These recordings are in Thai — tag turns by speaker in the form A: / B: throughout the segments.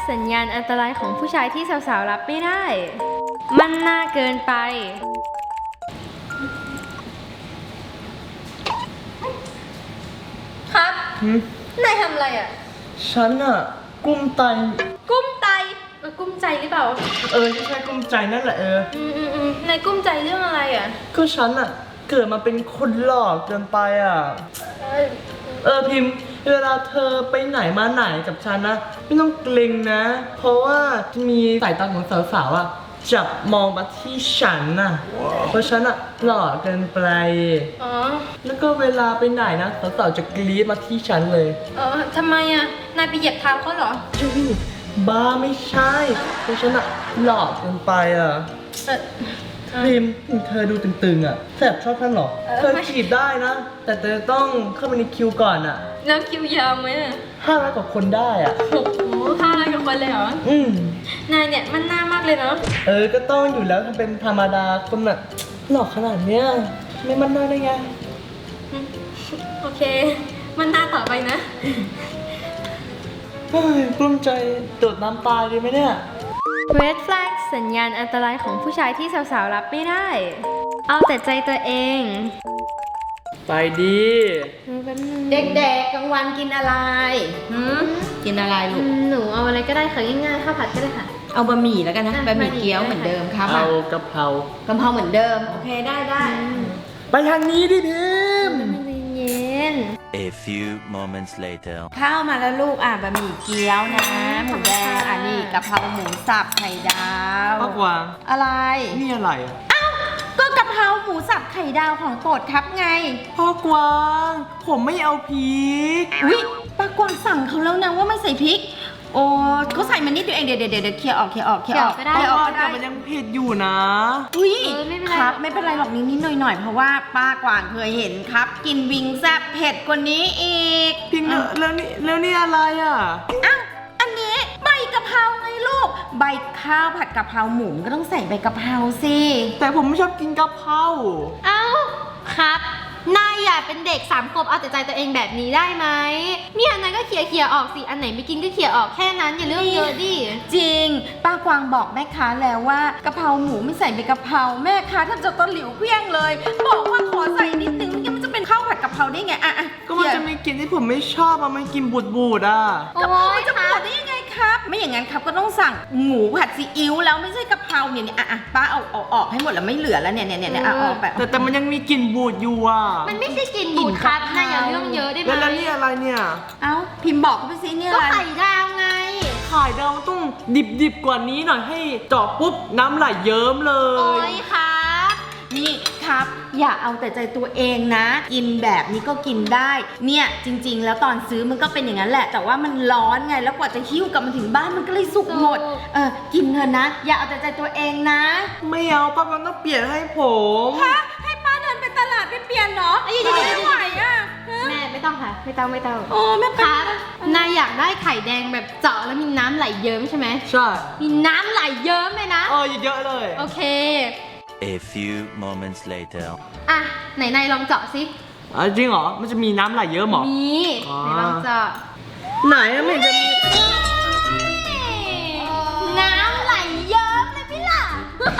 A: สัญญาณอันตรายของผู้ชายที่สาวๆรับไม่ได้ มันน่าเกินไปครับนายทำอะไรอ่ะ
B: ฉันอะกุ้มไต
A: กุ้มใจกุ้มใจหรือเปล่า
B: ใช่กุ้มใจนั่นแหละ
A: นายกุ้มใจเรื่องอะไรอ่ะ
B: ก็ฉันอะเกิดมาเป็นคนหลอกเกินไปอะพิมพ์เวลาเธอไปไหนมาไหนกับฉันนะไม่ต้องเกรงนะ เพราะว่ามีสายตาของสาวๆอะจับมองมาที่ฉันน่ะ เพราะฉันอะหล่อเกินไปแล้วก็เวลาไปไหนนะสาวๆจะกรี๊ดมาที่ฉันเลย
A: ทำไมอะนายไปเหยียบเท้าเขาเหรอ
B: บ้าไม่ใช่เพราะฉันอะหล่อเกินไปอะพิมเธอดูตึงๆอะแสบชอบฉันหรอเธอจีบได้นะแต่เธอต้องเข้าไปในคิวก่อนอะ
A: แล้วคิวยาวไหม
B: 500 กว่าคนได้อะ
A: โอ้โห500 กว่าคนเลยเหรอนายเนี่ยมันน่ามากเลยเนาะ
B: ก็ต้องอยู่แล้วทำเป็นธรรมดาคนแบบหล่อขนาดเนี้ยไม่มันน่าได้ไง
A: โอเคมันน่าต่อไปนะ
B: กลุ้มใจโดดน้ำตายดีไหมเนี่ย
A: Red flag สัญญาณอันตรายของผู้ชายที่สาวๆรับไม่ได้ เอาแต่ใจตัวเอง
B: ไปดี
C: เด็กๆกลางวันกินอะไรกินอะไรลูก
A: หนูเอาอะไรก็ได้ค่ะง่ายๆข้าวผัดก็ได้ค่ะ
C: เอาบะหมี่แล้วกันนะบะหมี่เกี๊ยวเหมือนเดิมครับ
B: เอากะเพราก
C: ะเพราเหมือนเดิมโอเคได้
B: ไปทางนี้ดิพิม
A: เย็น
D: A few moments later
C: ข้าวมาแล้วลูกบะหมี่เกี๊ยวนะหมูแดงนี่กะเพราหมูสับไข่ดาว
B: ป้ากวาง
C: อะไร
B: นี่อะไร
C: ก็กะเพราหมูสับไข่ดาวของโปรดครับไง
B: พ่อกวางผมไม่เอาพริก
C: ป้ากวางสั่งเขาแล้วนะว่าไม่ใส่พริกโอ้เขาใส่มานิดเดียวเองเดี๋ยวเคลียร์ออก
A: ก็ได้
B: แต่มันยังเผ็ดอยู่นะ
C: ครับไม่เป็นไรหรอกนิดหน่อยเพราะว่าป้ากวางเคยเห็นครับกินวิงแซ่บเผ็ดกว่านี้อีก
B: พิงแล้วนี่อะไร
C: อันนี้ใบกะเพราไงลูกใบข้าวผัดกะเพราหมูก็ต้องใส่ใบกะเพราสิ
B: แต่ผมไม่ชอบกินกะเพรา
A: ครับนายอย่าเป็นเด็ก3 ขวบเอาแต่ใจตัวเองแบบนี้ได้ไหมเนี่ยนายก็เขี่ยออกสิอันไหนไม่กินก็เขี่ยออกแค่นั้นอย่าเรื่องเยอะดิ
C: จริงป้ากวางบอกแม่ค้าแล้วว่ากะเพราหมูไม่ใส่ใบกะเพราแม่ค้าท่านจะต้นหลิวเพี้ยงเลยบอกว่าขอใส่นิดนึงมันจะเป็นข้าวผัดกะเพราได้ไง
B: ก็มันจะมีกลิ่นที่ผมไม่ชอบมันกินบูด
C: กะเพรามันจะบูดได้ยังไงครับไม่อย่างนั้นครับก็ต้องสั่งหมูผัดซีอิ๊วแล้วไม่ใช่กะเพราเนี่ยป้าเอาออกให้หมดแล้วไม่เหลือแล้วเนี่ยออกแบบ
B: แต่มันยังมีกลิ่นบูดอยู่
A: มันไม่ใช่กลิ่นบูดครับนายอย่าเรื่องเยอะได้ไหม
B: แล้วนี่อะไรเนี่ย
C: พิมพ์บอกเขาไปสิเนี่ย
A: ก็ไข่ดาวไง
B: ไข่ดาวต้องดิบกว่านี้หน่อยให้เจาะปุ๊บน้ำไหลเยิ้มเลย
A: โอ้ยครับ
C: นี่ครับอย่าเอาแต่ใจตัวเองนะกินแบบนี้ก็กินได้เนี่ยจริงๆแล้วตอนซื้อมันก็เป็นอย่างนั้นแหละแต่ว่ามันร้อนไงแล้วกว่าจะหิ้วกลับมาถึงบ้านมันก็เลยสุกหมดกินเถอะนะอย่าเอาแต่ใจตัวเองนะ
B: ไม่เอาป้ามันต้องเปลี่ยนให้ผม
C: ให้ป้าเดินไปตลาดไปเปลี่ยนเนาะไม่ไหว
A: แม่ไม่ต้องค่ะไม่ต้อง
C: โอ้แม่
A: ครับนายอยากได้ไข่แดงแบบเจาะแล้วมีน้ำไหลเยิ้มใช่ไหม
B: ใช่
A: มีน้ำไหลเยิ้มเลยนะ
B: เยอะเลย
A: โอเค
D: A few moments later
A: ไหนนายลองเจาะสิ
B: จริงเหรอมันจะมีน้ำไหลเยอะหรอ
A: มีไหนลองเจาะ
B: ไหนไม่จะมี
A: น้ำไหลเยิ้มเลยพี่ล่ะ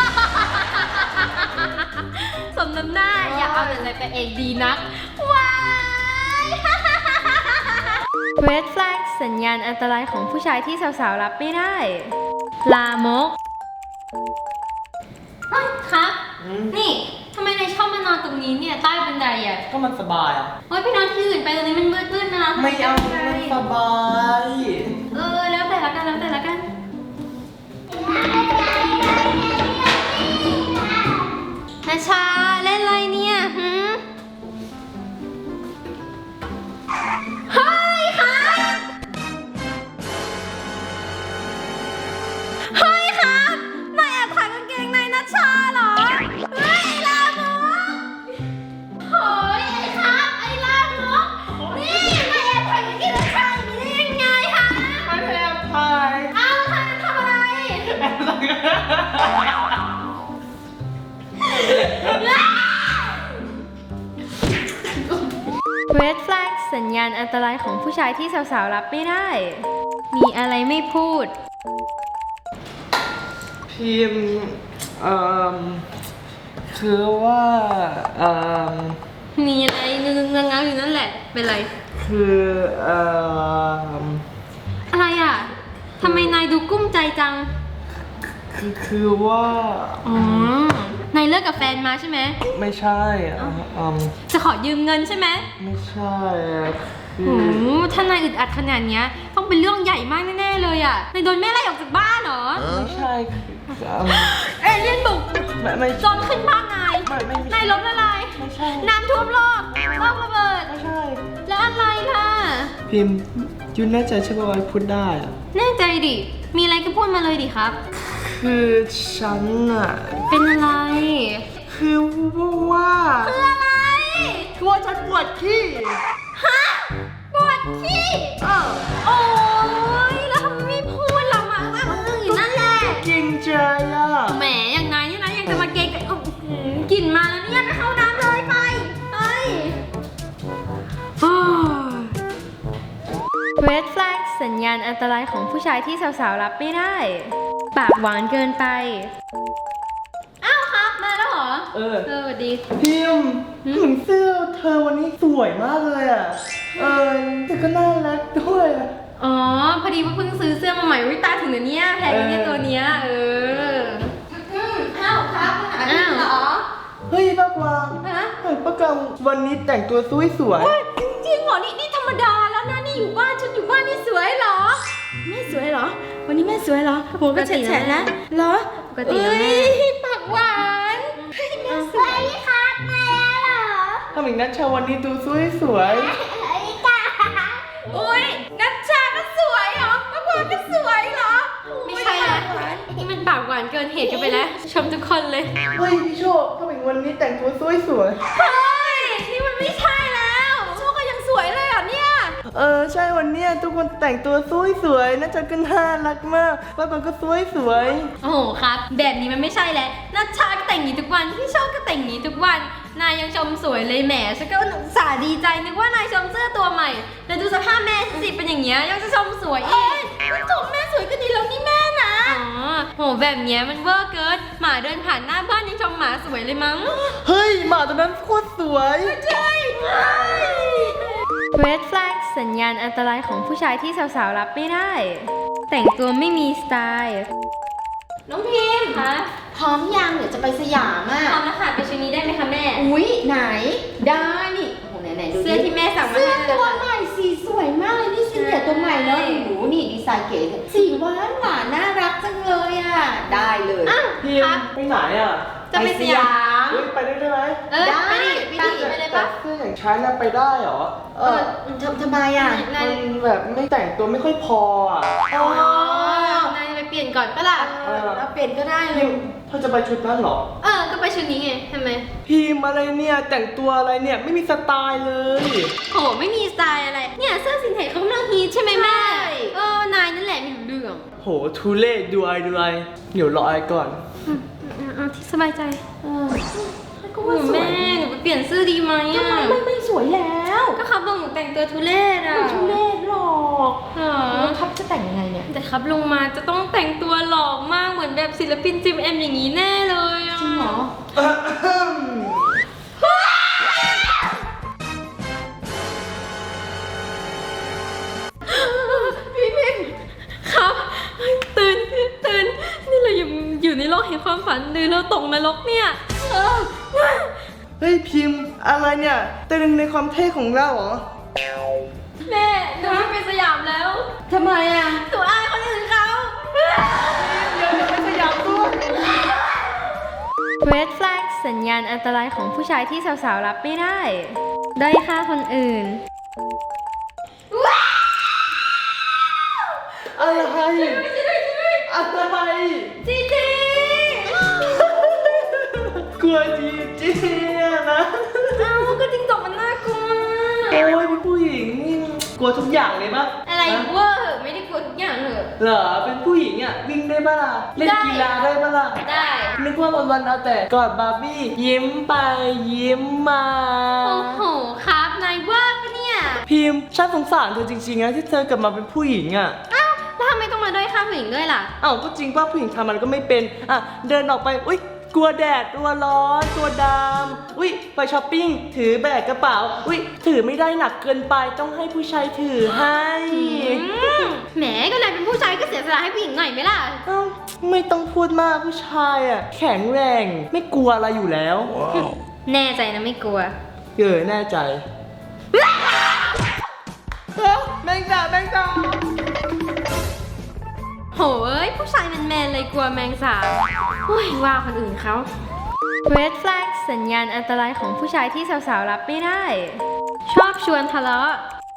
A: สมน้ำหน้าอย่าเอาแต่ใจตัวเองดีนักว้าย Red flag สัญญาณอันตรายของผู้ชายที่สาวๆรับไม่ได้ลามกครับนี่ทำไมนายชอบมานอนตรงนี้เนี่ยใต้บันได
B: ก็มันสบาย
A: พี่นอนที่อื่นไปตรงนี้มันมืดๆนะ
B: ไม่เอามันสบาย
A: แล้วแต่ละกันนาชาเล่นอะไรเนี่ยเฮ้ยครับนายแอบถ่ายกางเกงในนาชาเหรอเฮ้ยลามกเฮ้ยไอ้ลามกนี่นายแอบถ่ายกางเกงนาชาอย่างนี้ได้ยังไงคะ
B: ไม่แอบถ่าย
A: ทำอะไรRed flag สัญญาณอันตรายของผู้ชายที่สาวๆรับไม่ได้มีอะไรไม่พูด
B: พิมพ์คือว่า
A: มีอะไรเงาๆอยู่นั่นแหละ เป็นไร
B: คือ
A: อะไรอ่ะทำไมนายดูกุ้มใจจัง
B: คือว่า
A: อ๋อนายเลิกกับแฟนมาใช่ไหม
B: ไม่ใช่
A: จะขอยืมเงินใช่ไหม
B: ไม่ใช่คื
A: โอ้
B: อ
A: ถ้านายอึดอัดขนาดเนี้ยต้องเป็นเรื่องใหญ่มากแน่ๆเลยอ่ะนายโดนแม่ไล่ออกจากบ้านเหรอ
B: ไม่ใช่คือ
A: เอเลี่ยนบุก
B: ไม่
A: โจรขึ้นบ้านนาย
B: ไม่
A: นายล้มละลาย
B: ไม่ใช่
A: น้ำท่วมโลกระเบิด
B: ไม่ใช่
A: แล้วอะไรล่ะ
B: พิมพ์ยูแน่ใจใช่ไหมว่าพูดได้อะ
A: แน่ใจดิ มีอะไรก็พูดมาเลยดิครับ
B: คือฉันอะ
A: เป็นอะไร
B: คือว่า
A: คืออะไร
B: คือว่าฉันปวดขี้
A: ฮะปวดขี้โอ้ยแล้วทำไมไม่พูดล่ะมาอยู่นั่นแหละ
B: เกรงใจอะ
A: แหมอย่างนายนี่นะยังจะมาเกรงกันกลิ่นมาแล้วเนี่ยไปเข้าน้ำเลยไปRed flag สัญญาณอันตรายของผู้ชายที่สาวๆรับไม่ได้ ปากหวานเกินไป อ้าวครับมาแล้วเหรอ สวัสดี
B: พิมพ์เหมือนเสื้อเธอวันนี้สวยมากเลยอะแต่ก็น่ารักด้วยอะ
A: อ๋อ พอดีว่าเพิ่งซื้อเสื้อมาใหม่วิตาถึงเดี๋ยวนี้แพงเนี่ยตัวเนี้ยอ้าวครับมาหาพี่เหรอ
B: เฮ้ยป้ากวาง
A: ฮะ
B: ป้ากวางวันนี้แต่งตัวสวย
A: จริงเหรอ นี่ธรรมดาแล้วนะ นี่อยู่บ้านฉันอยู่บ้านนี่สวยเหรอ
C: แม่สวยเหรอ วันนี้แม่สวยเหรอหัวก็แฉะๆนะเหรอ
A: ปกตินะแม่
C: ปากหวาน
A: สวยครับแม่เหรอ
B: ๆทำอย่างนั้นชาวันนี้ดูสวย
A: อุ้ยนัชชาก็สวยเหรอมะพร้าวก็สวยเหรอ ไม่ใช่นะนี่มันปากหวานเกินเหตุกันไปแล้ว ชมทุกคนเลย
B: ๆเฮ้ยพี่โชคทำไมวันนี้แต่งตัวสวย
A: เฮ้ย นี่มันไม่ใช่แล้วโชคก็ยังสวยเลยอ่ะเนี่ย
B: ๆใช่วันเนี้ยทุกคนแต่งตัวสวยๆน่าจะก็น่ารักมากป้ากวางก็สวย
A: โอ้โหครับ แบบนี้มันไม่ใช่แล้วนัชชาก็แต่งอย่างนี้ทุกวัน พี่โชคก็แต่งอย่างนี้ทุกวัน นายยังชมสวยเลยแหมฉันก็อุตส่าห์ดีใจนึกว่านายชมเสื้อตัวใหม่ แล้วดูสภาพแม่สิเป็นอย่างเงี้ยยังจะชมสวยอีกชมแม่สวยก็ดีแล้วนี่แม่นะ อ๋อ โหแบบเนี้ยมันเวอร์เกิน หมาเดินผ่านหน้าบ้านยังชมหมาสวยเลยมั้ง
B: ๆเฮ้ยหมาตัวนั้นโคตรสวย
A: ใช่ Red flag สัญญาณอันตรายของผู้ชายที่สาวๆรับไม่ได้ แต่งตัวไม่มีสไตล์
C: น้องพิมพ์
A: คะ
C: พร้อมยังเดี๋ยวจะไปสยามอ่ะ
A: พร้อมแล้วค่ะไปชุดนี้ได้ไหมคะแม่
C: อุ๊ยไหนได้นี่โอ้โหไหนดูดิ
A: เสื้อที่แม่สั่งมา
C: เสื้อ
A: ให้
C: ตัว
A: นะคะ
C: ใหม่สีสวยมากเลยนี่สีเหลือตัวใหม่เนาะ
A: ใช่
C: โอ้โหนี่ดีไซน์เก๋สีหวานหวานน่ารักจังเลยอ่ะได้เลย
A: อ้าว
B: พิม
A: ครับ
B: พ์ไปไหนอ่ะ
A: จะไปสยาม
B: เฮ้ยไปได้ไหม
A: ไปดิไปเลยปะ
B: เสื้ออย่างฉันน่ะไปได้เหรอ
C: ทำไมอ่ะ
A: นาย
B: มันแบบไม่แต่งตัวไม่ค่อยพออ่ะ
C: อ๋อ
A: นายจะไปเปลี่ยนก่อนปะล่ะ
C: เราเปลี่ยนก็ได้เล
B: พิ
C: ย
B: มพ์เธอจะไปชุดนั้นเหรอ
A: ก็ไปชุดนี้ไงทำไม
B: พิมพ์อะไรเนี่ยแต่งตัวอะไรเนี่ยไม่มีสไตล์เลย
A: โหไม่มีสไตล์อะไร เนี่ยเสื้อสินเทจเขากำลังฮิตใช่ไหมแม่ นายนั่นแหละไม่รู้เรื่อง
B: โหทุเล่ดูไอเดี๋ยวรอไอก่อน
A: เอาที่สบายใจก็ว่าแม่หนูไปเปลี่ยนเสื้อดีไหม
C: ทำไมไม่สวยแล้ว
A: ก็ครับลงหนูแต่งตัวทุเรศอ่ะ
C: ไม่ทุเรศหรอก
A: หรอ
C: แล้วครับจะแต่งยังไงเนี่ย
A: แต่ครับลงมาจะต้องแต่งตัวหล่อมากเหมือนแบบศิลปินจิมเอ็มอย่างนี้แน่เลยอ่ะ
C: จริงเหรอ
A: พี่พิมครับตื่นนี่เราอยู่ในโลกแห่งความฝันหรือเราตกนรกเนี่ย
B: เฮ้ยพิมพ์อะไรเนี่ยเต้นในความเท่ของเราเหรอ
A: แม่หนูไม่ไปสยามแล้ว
C: ทำไมอ่ะ
A: หนูอายคนอื่นเขา
B: เดี๋ยวไปสยามด้วย
A: Red flag สัญญาณอันตรายของผู้ชายที่สาวๆรับไม่ได้ด้อยค่าคนอื่น
B: อะไรอะไร
A: จีจี
B: กลัวจีจีอะนะ
A: อ้าวก็จริงจกมันน่ากลัว
B: โอ้ยเป็นผู้หญิงนี่กลัวทุกอย่างเลยปะ
A: อะไร
B: ฮะ
A: เวอร์ไม่ได้กลัวทุกอย่างเหรอ
B: เหรอเป็นผู้หญิงอ่ะวิ่งได้ปะล่ะเล่น
A: ได้
B: กีฬาได้ปะล่ะ
A: ได้
B: นึกว่าวันๆเอาแต่กอดบาร์บี้ยิ้มไปยิ้มมา
A: โอ้โหครับนายว่าปะเนี่ย
B: พิมพ์ฉันสงสารเธอจริงๆนะที่เธอกลับมาเป็นผู้หญิงอ่ะ
A: อ้าวแล้วทำไมต้องมาด้อยค่าผู้หญิงด้วยล่ะ
B: เอ้าก็จริงว่าผู้หญิงทำมันก็ไม่เป็นอ่ะเดินออกไปอุ้ยกลัวแดดตัวร้อนตัวดำอุ้ยไปช้อปปิ้งถือแบกกระเป๋าอุ้ยถือไม่ได้หนักเกินไปต้องให้ผู้ชายถือให้
A: แหมก็นายเป็นผู้ชายก็เสียสละให้ผู้หญิงหน่อยไหมล่ะ
B: เอ้าไม่ต้องพูดมากผู้ชายอ่ะแข็งแรงไม่กลัวอะไรอยู่แล้ว
A: แน่ใจนะไม่กลัว
B: แน่ใจแมงดาแมงดา
A: โหยผู้ชายแมนๆเลยกลัวแมงสาบโอ้ยว่าคนอื่นเขา Red flag สัญญาณอันตรายของผู้ชายที่สาวๆรับไม่ได้ ชอบชวนทะเลาะ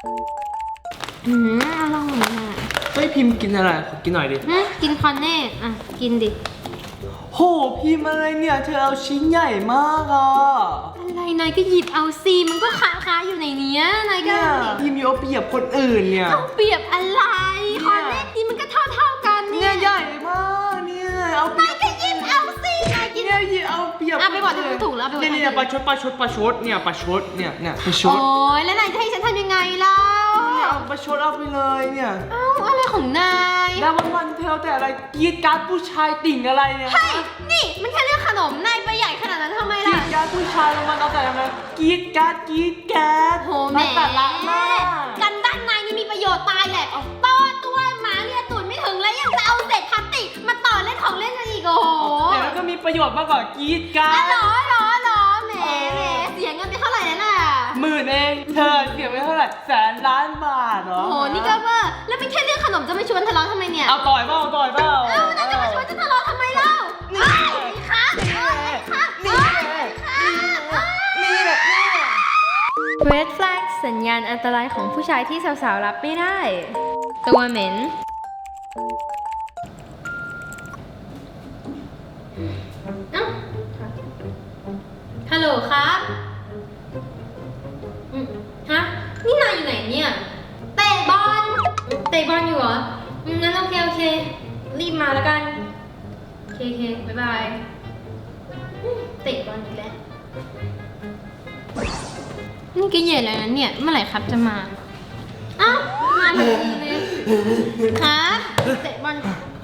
A: อร่อยอ่ะ
B: เฮ้ยพิมพ์กินอะไรขอกินหน่อยดิ
A: กินคอนเน่อ่ะ กินดิ
B: โหพิมพ์อะไรเนี่ยเธอเอาชิ้นใหญ่มากอ่ะ
A: อะไรนายก็หยิบเอาซีมันก็ค้าอยู่ในเนี้ยนายก็
B: เนี่ยพิมพ์เอาเปรียบคนอื่นเนี่ย
A: เอาเปรียบอะไรคอนเน่กินมันก็เท่ากันเนี่
B: เนี่ย ยใหญ่มากเนี่ยเอาเปรี
A: นาย ยก็หยิบเอาซีนายกิน
B: เนี่ยหยิบเอาเปรียบ
A: อ่ะไปบอกที่ถูกแล้วไปบอกที่ถูก
B: เนี่ยประชดเนี่ยประชดเนี่ยประช
A: โอ้
B: ด
A: ยแล้วนายจะให้ฉันทำยังไงเล่า
B: เนี่ยเอาประชดเอาไปเลยเนี่ย
A: เอ้าอะไรของนาย
B: แล้ววันๆเธอแต่อะไรกรีดการ์ดผู้ชายติ่งอะไรเนี่ย
A: เฮ้ยนี่มันแค่เรื่องขนมนายไปใหญ่ขนาดนั้นทำไม
B: กรี
A: ล่ะ
B: ดการ์ดผู้ชายแล้วมันเอาแต่อะไรกรีดการ์ด
A: โหแหม่
B: สาระมาก
A: กันด้านในนี่มีประโยชน์ตายแหละต่อตัวหมาเนี่ยตูดไม่ถึงแล้วยังจะเอาเศษพลาสติกมาต่อเล่นของเล่นกันอีกโอ้โห
B: แต่มันก็มีประโยชน์มากกว่ากรีดการ์
A: อ๋อ
B: ด
A: เหรอแหมเสียเงินไปเท่าไหร่แล้วล่ะ
B: 10,000 เองเธอเสียไปเท่าไหร่100,000,000 บาทเหรอ
A: โอ้โหนี่ก็เวอร์แล้วเป็นแค่เรื่องขนมจะมาชวนทะเลาะทำไมเนี่ย
B: เอาต่อยเปล่า
A: เอ้านายจะมาชวนจะทะเลาะทำไมเล่า
B: นี่
A: ค่ะ
B: นี่แหละ
A: Red flag สัญญาณอันตรายของผู้ชายที่สาวๆรับไม่ได้ ตัวเหม็นเอ้าฮัลโหลครับฮะ นี่นายอยู่ไหนเนี่ย เตะบอลอยู่เหรองั้นโอเค รีบมาแล้วกัน โอเคบ๊ายบายเตะบอลอีกแล้ว นี่ก็เย็นแล้วนะเนี่ย เมื่อไหร่ครับจะมา เอ้า มาพอดีเลยครับเตะบอล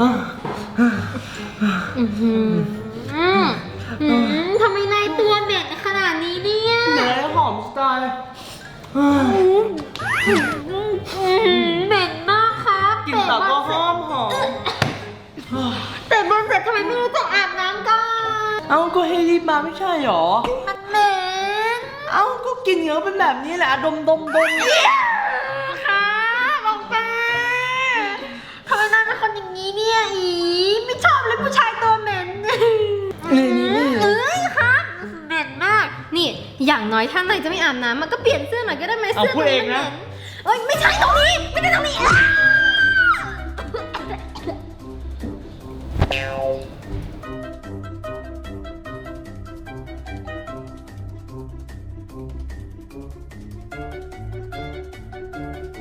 A: ทำไมนายตัวเหม็นขนาดนี้เนี่ย
B: ไหนหอมสไตล์
A: เหม็นมากครับ
B: กลินตับก็หอม
A: เตะบอลเสร็จทำไมไม่รู้จักอาบน้ำก่อน
B: เอ้าก็ให้รีบมาไม่ใช่หรอ
A: มันเหม็น
B: เอ้าก็กินเยอะเป็นแบบนี้แหละดม
A: ครับออกไปทำไมนายเป็นคนอย่างนี้เนี่ยไม่ชอบเลยผู้ชายตัวเหม็น
B: นี่
A: เอ้ยครับเหม็นมาก นี่อย่างน้อยถ้านายจะไม่อาบน้ำมันก็เปลี่ยนเสื้อหน่อยก็ได้ไหม
B: เอา
A: เสื้อ
B: พูดเองนะ
A: เอ้ยไม่ใช่ตรงนี้ไม่ใช่ตรงนี้